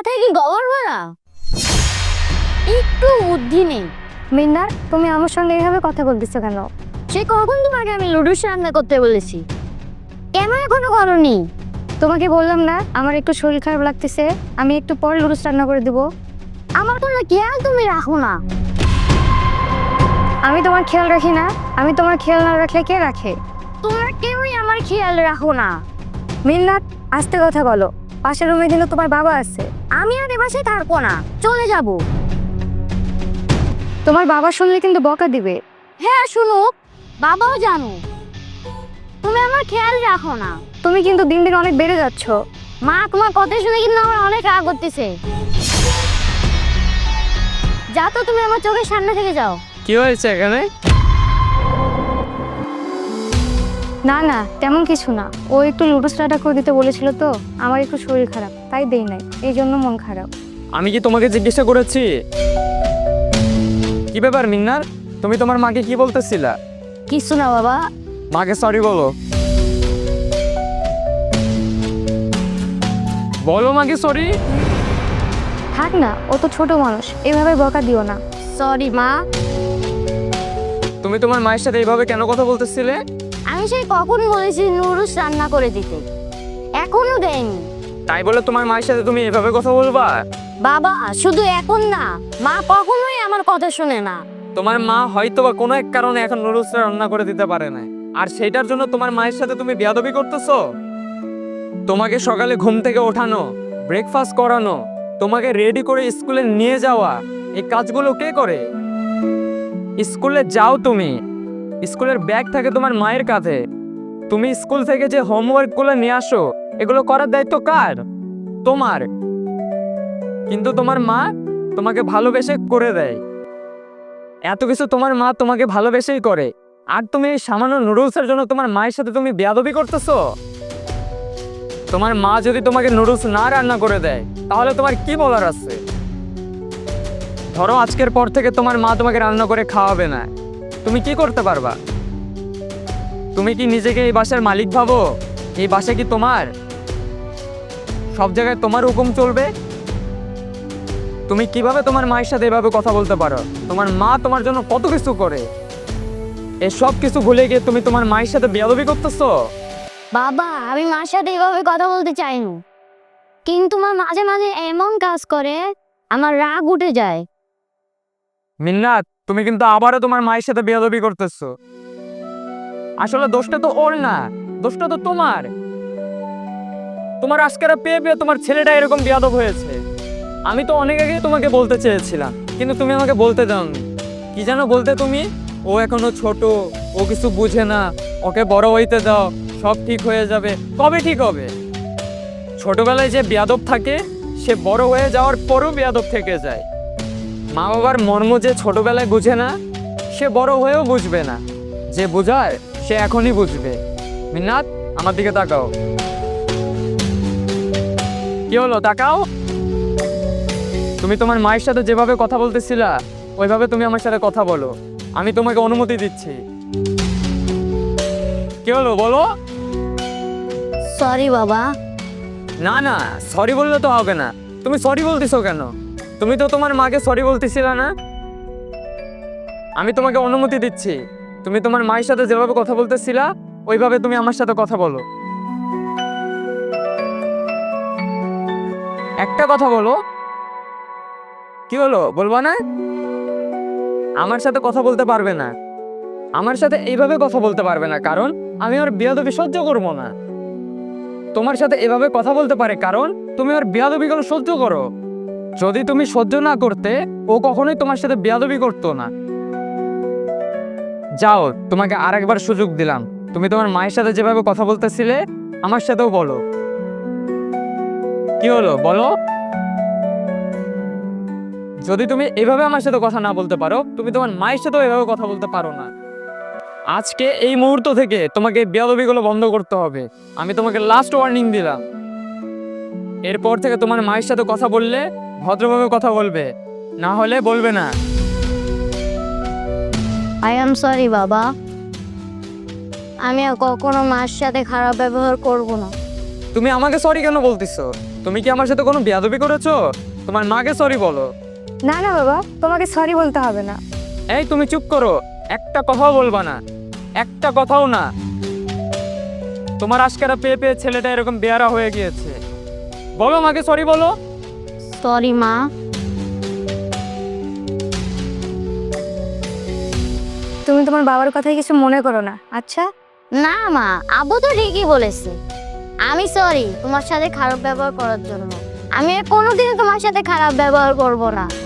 মাথায় কি গোবর ভরা? একটু বুদ্ধি নেই। মিন্নার, তুমি আমার সঙ্গে এইভাবে কথা বলতেছো কেন? সে কখন তোমাকে আমি লুডুস রান্না করতে বলেছি? কেন এখনো করনি? তোমাকে বললাম না আমার একটু শরীর খারাপ লাগতেছে, আমি একটু পরে লুডুস রান্না করে দেবো। আমার কোনো খেয়াল তুমি রাখো না। আমি তোমার খেয়াল রাখি না? আমি তোমার খেয়াল না রাখলে কে রাখে? তোমরা কেউই আমার খেয়াল রাখো না। মিন্নাত, আস্তে কথা বলো। পাশের রুমে কিন্তু তোমার বাবা আছে। আমি আর এ বাসায় থাকবো না, চলে যাব। তোমার বাবা শুনলে কিন্তু বকা দিবে। হ্যাঁ শুনুক, বাবাও জানো তুমি আমার খেয়াল রাখো না। তুমি কিন্তু দিন দিন অনেক বেড়ে যাচ্ছ। মা তোমার কথা শুনে কিন্তু আমার অনেক রাগ করতেছে। যা তো, তুমি আমার চোখের সামনে থেকে যাও। কি হয়েছে এখানে? না না, তেমন কিছু না। ও একটু লুডুস রান্না করে দিতে বলেছিল তো, আমার একটু শরীর খারাপ তাই দেই নাই, এই জন্য মন খারাপ। আমি কি তোমাকে জিজ্ঞাসা করেছি? কি ব্যাপার মিন্নার, তুমি তোমার মাকে কি বলতেছিলা? কিছু না বাবা। মাকে সরি বলো। বলো মাকে সরি। থাক না, ও তো ছোট মানুষ, এভাবে বকা দিও না। সরি মা। তুমি তোমার মায়ের সাথে এইভাবে কেন কথা বলতেছিলে? আমি সেই কখন বলেছি নুডলস রান্না করে দিতে, এখনো দেয়নি। তাই বলে তোমার মায়ের সাথে তুমি এভাবে কথা বলবা? বাবা শুধু এখন না, মা কখনোই আমার কথা শুনে না। তোমার মা হয়তো বা কোনো এক কারণে এখন নুডলসটা রান্না করে দিতে পারে না, আর সেইটার জন্য তোমার মায়ের সাথে তুমি বেয়াদবি করতেছো। তোমাকে সকালে ঘুম থেকে ওঠানো, ব্রেকফাস্ট করানো, তোমাকে রেডি করে স্কুলে নিয়ে যাওয়া, এই কাজগুলো কে করে? স্কুলে যাও তুমি, স্কুলের ব্যাগ থাকে তোমার মায়ের কাঁধে। তুমি স্কুল থেকে যে হোমওয়ার্কগুলো নিয়ে আসো, এগুলো করার দায়িত্ব কার? তোমার। কিন্তু তোমার মা তোমাকে ভালোবেসে করে দেয়। এত কিছু তোমার মা তোমাকে ভালোবেসেই করে, আর তুমি এই সামান্য নুডলসের জন্য তোমার মায়ের সাথে তুমি বেয়াদবি করতেছো। তোমার মা যদি তোমাকে নুডলস না রান্না করে দেয়, তাহলে তোমার কি বলার আছে? ধরো আজকের পর থেকে তোমার মা তোমাকে রান্না করে খাওয়াবে না, তুমি কি করতে পারবা? তুমি কি নিজেকে এই বাসার মালিক ভাবো? এই বাসা কি তোমার? সব জায়গায় তোমার হুকুম চলবে? তুমি কিভাবে তোমার মায়ের সাথে এভাবে কথা বলতে পারো? তোমার মা তোমার জন্য কত কিছু করে, এসব কিছু ভুলে গিয়ে তুমি তোমার মায়ের সাথে বেয়াদবি করতেছো। বাবা আমি মার সাথে এভাবে কথা বলতে চাইনি, কিন্তু মা মাঝে মাঝে এমন কাজ করে আমার রাগ উঠে যায়। মিন্নাত, তুমি কিন্তু আবারও তোমার মায়ের সাথে বেয়াদবি করতেছো। আসলে দোষটা তো ওর না, দোষটা তো তোমার। তোমার আজকের পেয়ে পেয়ে তোমার ছেলেটা এরকম বেয়াদব হয়েছে। আমি তো অনেক আগে তোমাকে বলতে চেয়েছিলাম, কিন্তু তুমি আমাকে বলতে দাওনি। কি যেন বলতে তুমি? ও এখনো ছোট, ও কিছু বুঝে না, ওকে বড় হইতে দাও, সব ঠিক হয়ে যাবে। কবে ঠিক হবে? ছোটবেলায় যে বেয়াদব থাকে, সে বড় হয়ে যাওয়ার পরও বেয়াদব থেকে যায়। মা বাবার মর্ম যে ছোটবেলায় বুঝে না, সে বড় হয়েও বুঝবে না। যে বোঝায় সে এখনই বুঝবে। মিন্নাত, আমার দিকে তাকাও। কি হলো, তাকাও। তুমি তোমার মায়ের সাথে যেভাবে কথা বলতেছিলা, ওইভাবে তুমি আমার সাথে কথা বলো। আমি তোমাকে অনুমতি দিচ্ছি। কি হলো বলো? সরি বাবা। না না, সরি বললে তো হবে না। তুমি সরি বলতেছো কেন? তুমি তো তোমার মাকে সরি বলতেছিলা না? আমি তোমাকে অনুমতি দিচ্ছি, তুমি তোমার মায়ের সাথে যেভাবে কথা বলতেছিলা, ওইভাবে তুমি আমার সাথে কথা বলো। একটা কথা বলো। কি হলো, বলবা না? আমার সাথে কথা বলতে পারবে না, আমার সাথে এইভাবে কথা বলতে পারবে না, কারণ আমি ওর বেয়াদবি সহ্য করবো না। তোমার সাথে এভাবে কথা বলতে পারে কারণ তুমি ওর বেয়াদবিগুলো সহ্য করো। যদি তুমি সহ্য না করতে, ও কখনোই তোমার সাথে বেয়াদবি করতো না। যাও, তোমাকে আরেকবার সুযোগ দিলাম। তুমি তোমার মায়ের সাথে যেভাবে কথা বলতেছিলে, আমার সাথেও বলো। কি হলো বলো? যদি তুমি এভাবে আমার সাথে কথা না বলতে পারো, তুমি তোমার মায়ের সাথেও এভাবে কথা বলতে পারো না। আজকে এই মুহূর্ত থেকে তোমাকে বেয়াদবিগুলো বন্ধ করতে হবে। আমি তোমাকে লাস্ট ওয়ার্নিং দিলাম। এরপর থেকে তোমার মায়ের সাথে কথা বললে ভদ্রভাবে কথা বলবে, না হলে বলবে না। আই এম সরি বাবা, আমি আর কখনো মার সাথে খারাপ ব্যবহার করব না। তুমি আমাকে সরি কেন বলতেছো? তুমি কি আমার সাথে কোনো বেয়াদবি করেছো? তোমার মাকে সরি বলো। না না বাবা, তোমাকে সরি বলতে হবে না। এই তুমি চুপ করো, একটা কথাও বলবা না, একটা কথাও না। তোমার আজকেরা পেয়ে পেয়ে ছেলেটা এরকম বেয়ারা হয়ে গিয়েছে। বলো মাকে সরি বলো। সরি মা। তুমি তোমার বাবার কথায় কিছু মনে করো না, আচ্ছা? না মা, আব্বু তো ঠিকই বলেছে। আমি সরি তোমার সাথে খারাপ ব্যবহার করার জন্য। আমি আর কোনোদিনও তোমার সাথে খারাপ ব্যবহার করব না।